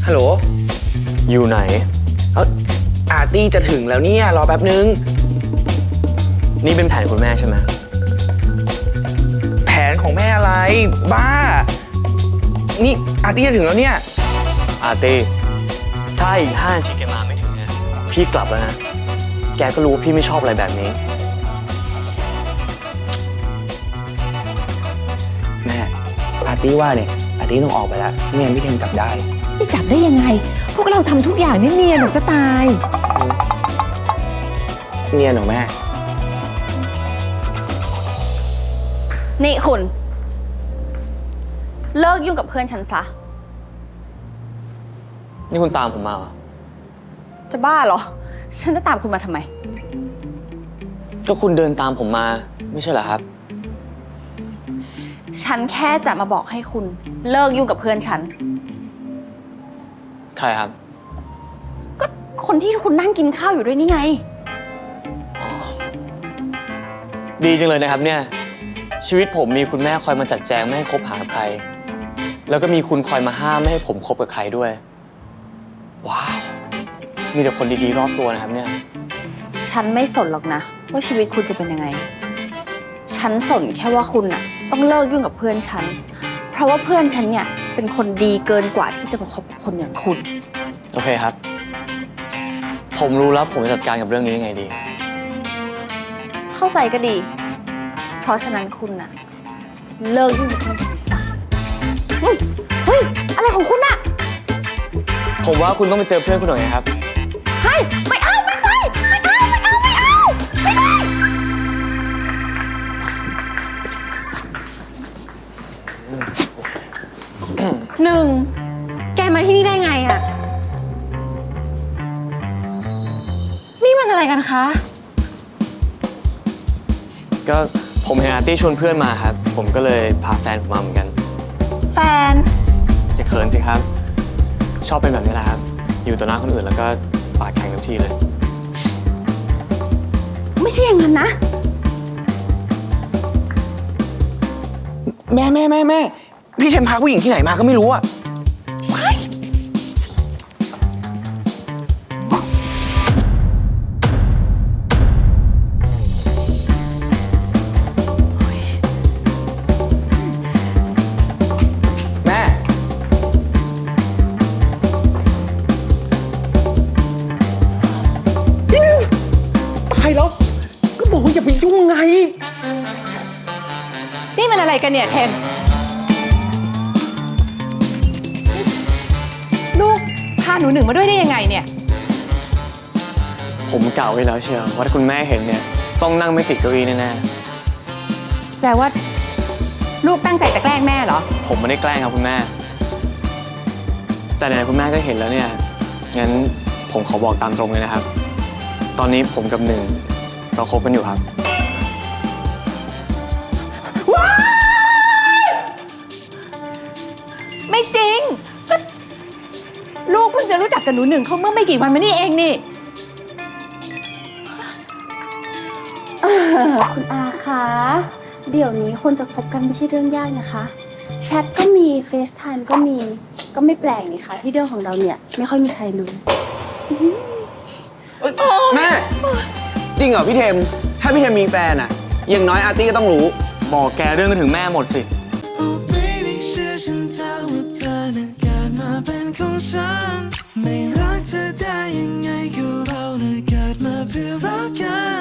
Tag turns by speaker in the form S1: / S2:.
S1: ฮัลโหล
S2: อยู่ไหน
S1: อาร์ตี้จะถึงแล้วเนี่ยรอแป๊บนึง
S2: นี่เป็นแผนคุณแม่ใช่ไหม
S1: แผนของแม่อะไรบ้านี่อาร์ตี้จะถึงแล้วเนี่ย
S2: อาร์ตี้ถ้าอีก5 นาทีแกมาไม่ถึงเนี่ยพี่กลับแล้วนะแกก็รู้ว่าพี่ไม่ชอบอะไรแบบนี้
S1: แม่อาร์ตี้ว่าเนี่ยอาร์ตี้ต้องออกไปแล้วไม่งั้นพี่เทมจับได้
S3: ไม่จับได้ยังไงพวกเราทำทุกอย่างเนียนๆหนูจะตาย
S1: เนียนเหรอแม่
S4: นี่คุณเลิกยุ่งกับเพื่อนฉันซะ
S2: นี่คุณตามผมมาเหรอ
S4: จะบ้าเหรอฉันจะตามคุณมาทำไม
S2: ก็คุณเดินตามผมมาไม่ใช่เหรอครับ
S4: ฉันแค่จะมาบอกให้คุณเลิกยุ่งกับเพื่อนฉัน
S2: ใครครับ
S4: ก็คนที่คุณนั่งกินข้าวอยู่ด้วยนี่ไง
S2: ดีจังเลยนะครับเนี่ยชีวิตผมมีคุณแม่คอยมาจัดแจงไม่ให้คบหาใครแล้วก็มีคุณคอยมาห้ามไม่ให้ผมคบกับใครด้วยว้าวมีแต่คนดีๆรอบตัวนะครับเนี่ย
S4: ฉันไม่สนหรอกนะว่าชีวิตคุณจะเป็นยังไงฉันสนแค่ว่าคุณน่ะต้องเลิกยุ่งกับเพื่อนฉันเพราะว่าเพื่อนฉันเนี่ยเป็นคนดีเกินกว่าที่จะมาคบกับคนอย่างคุณ
S2: โอเคครับผมรู้แล้วผมจะจัดการกับเรื่องนี้ยังไงดี
S4: เข้าใจก็ดีเพราะฉะนั้นคุณน่ะเลิกยุ่งกับเพื่อนฉันซะเฮ้ยอะไรของคุณน่ะ
S2: ผมว่าคุณต้องไปเจอเพื่อนคุณหน่อยนะครับ
S4: เฮ้ยไม่เอาไม่ไปไม่เอาหนึ่งแกมาที่นี่ได้ไงอ่ะนี่มันอะไรกันคะ
S2: ก็ผมเห็นอาร์ตี้ชวนเพื่อนมาครับผมก็เลยพาแฟนผมมาเหมือนกัน
S4: แฟน
S2: อย่าเขินสิครับชอบเป็นแบบนี้แหละครับอยู่ต่อหน้าคนอื่นแล้วก็ปากแข็งทุกทีเลย
S4: ไม่ใช่อย่างนั้นนะ
S1: แม่พี่เทมพาผู้หญิงที่ไหนมาก็ไม่รู้อะอย่าไปยุ่งไง
S3: นี่มันอะไรกันเนี่ยเทมลูกพาหนูหนึ่งมาด้วยได้ยังไงเนี่ย
S2: ผมกล่าวไว้แล้วเชียวว่าถ้าคุณแม่เห็นเนี่ยต้องนั่งไม่ติดเก้าอี้แน่
S3: ๆแปลว่าลูกตั้งใจจะแกล้งแม่เหรอ
S2: ผมไม่ได้แกล้งครับคุณแม่แต่ไหนคุณแม่ก็เห็นแล้วเนี่ยงั้นผมขอบอกตามตรงเลยนะครับตอนนี้ผมกับหนึ่งเราคบกันอยู่ครับ
S3: ไม่จริงลูกเพิ่งจะรู้จักกับหนูหนึ่งเขาเมื่อไม่กี่วันมานี่เองนี่
S4: คุณอาคะเดี๋ยวนี้คนจะคบกันไม่ใช่เรื่องยากนะคะแชทก็มีเฟซไทม์ก็มีก็ไม่แปลกนี่คะที่เรื่องของเราเนี่ยไม่ค่อยมีใครรู้
S1: แม่จริงเหรอพี่เทมถ้าพี่เทมมีแฟนอะอย่างน้อยอาร์ตี้ก็ต้องรู้
S2: บอกแกเรื่องก็ถึงแม่หมดสิ
S5: ไม่รักเธอได้ยังไงก็เราเกิดมาเพื่อรักกัน